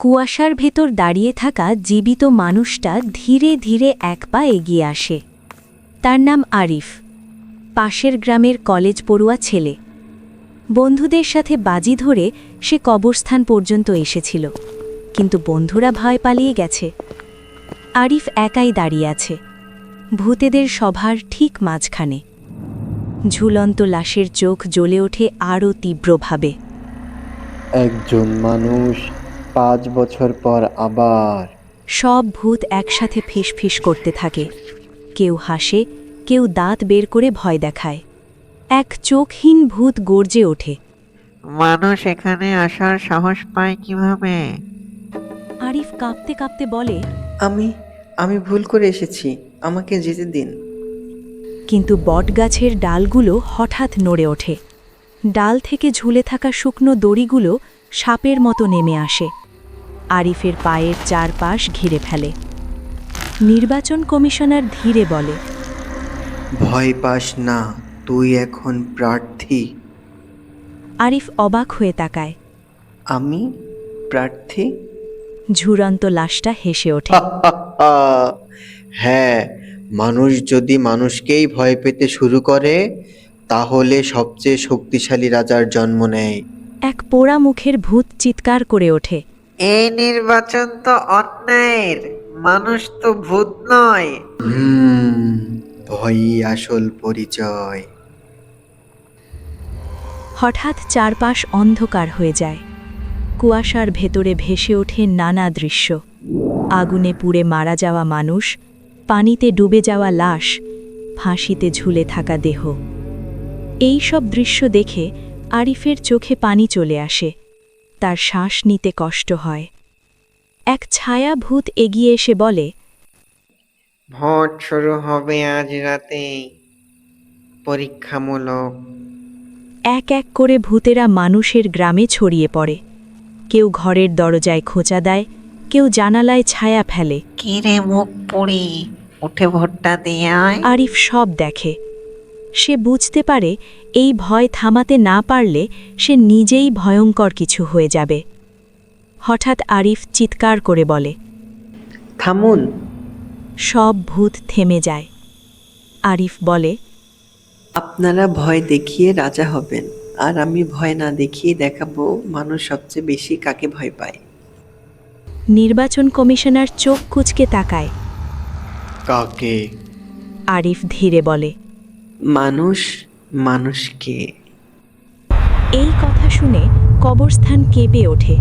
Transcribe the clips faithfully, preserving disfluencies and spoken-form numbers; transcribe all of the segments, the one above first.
কুয়াশার ভেতর দাঁড়িয়ে থাকা জীবিত মানুষটা ধীরে ধীরে এক পা এগিয়ে আসে। তার নাম আরিফ, পাশের গ্রামের কলেজ পড়ুয়া ছেলে। বন্ধুদের সাথে বাজি ধরে সে কবরস্থান পর্যন্ত এসেছিল, কিন্তু বন্ধুরা ভয় পালিয়ে গেছে। আরিফ একাই দাঁড়িয়ে আছে, ভূতেদের সভার ঠিক মাঝখানে। ঝুলন্ত লাশের চোখ জ্বলে ওঠে আরও তীব্রভাবে। একজন মানুষ পাঁচ বছর পর আবার। সব ভূত একসাথে ফিসফিস করতে থাকে, কেউ হাসে, কেউ দাঁত বের করে ভয় দেখায়। এক চোখহীন ভূত গর্জে ওঠে, মানুষ এখানে আসার সাহস পায় কিভাবে? আরিফ কাঁপতে কাঁপতে বলে, আমি আমি ভুল করে এসেছি, আমাকে যেতে দিন। কিন্তু বটগাছের ডালগুলো হঠাৎ নড়ে ওঠে। ডাল থেকে ঝুলে থাকা শুকনো দড়িগুলো সাপের মতো নেমে আসে, আরিফের পায়ের চারপাশ ঘিরে ফেলে। নির্বাচন কমিশনার ধীরে বলে, ভয় পাস না, তুই এখন প্রার্থী। আরিফ অবাক হয়ে তাকায়। আমি প্রার্থী? ঝুরন্ত লাশটা হেসে ওঠে, হ্যাঁ, মানুষ যদি মানুষকেই ভয় পেতে শুরু করে, তাহলে সবচেয়ে শক্তিশালী রাজার জন্ম নেয়। এক পোড়া মুখের ভূত চিৎকার করে ওঠে, এই নির্বাচন তো অন্যায়ের, মানুষ তো ভূত নয়। হুম, ভয়ই আসল পরিচয়। হঠাৎ চারপাশ অন্ধকার হয়ে যায়। কুয়াশার ভেতরে ভেসে ওঠে নানা দৃশ্য। আগুনে পুড়ে মারা যাওয়া মানুষ, পানিতে ডুবে যাওয়া লাশ, ফাঁসিতে ঝুলে থাকা দেহ। এই সব দৃশ্য দেখে আরিফের চোখে পানি চলে আসে, তার শ্বাস নিতে কষ্ট হয়। এক ছায়া ভূত এগিয়ে এসে বলে, ভোট শুরু হবে আজ রাতেই, পরীক্ষামূলক। এক এক করে ভূতেরা মানুষের গ্রামে ছড়িয়ে পড়ে। কেউ ঘরের দরজায় খোঁচা দেয়, কেউ জানালায় ছায়া ফেলে। কিরে মুখ পুড়ি, উঠে ভোটটা দিয়ে আয়। আরিফ সব দেখে। সে বুঝতে পারে এই ভয় থামাতে না পারলে সে নিজেই ভয়ঙ্কর কিছু হয়ে যাবে। হঠাৎ আরিফ চিৎকার করে বলে, থামুন। সব ভূত থেমে যায়। আরিফ বলে, আপনারা ভয় দেখিয়ে রাজা হবেন, আর আমি ভয় না দেখিয়ে দেখাবো মানুষ সবচেয়ে বেশি কাকে ভয় পায়। নির্বাচন কমিশনার চোখ কুঁচকে তাকায়। কাকে? আরিফ ধীরে বলে, মানুষ মানুষকে। এই কথা শুনে কবরস্থান কেঁপে ওঠে।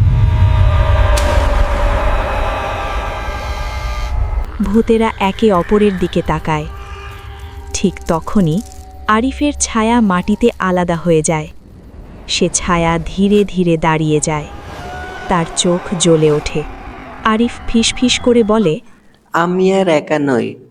ভূতেরা একে অপরের দিকে তাকায়। ঠিক তখনই আরিফের ছায়া মাটিতে আলাদা হয়ে যায়। সে ছায়া ধীরে ধীরে দাঁড়িয়ে যায়, তার চোখ জ্বলে ওঠে। আরিফ ফিসফিস করে বলে, আমি আর একা নই,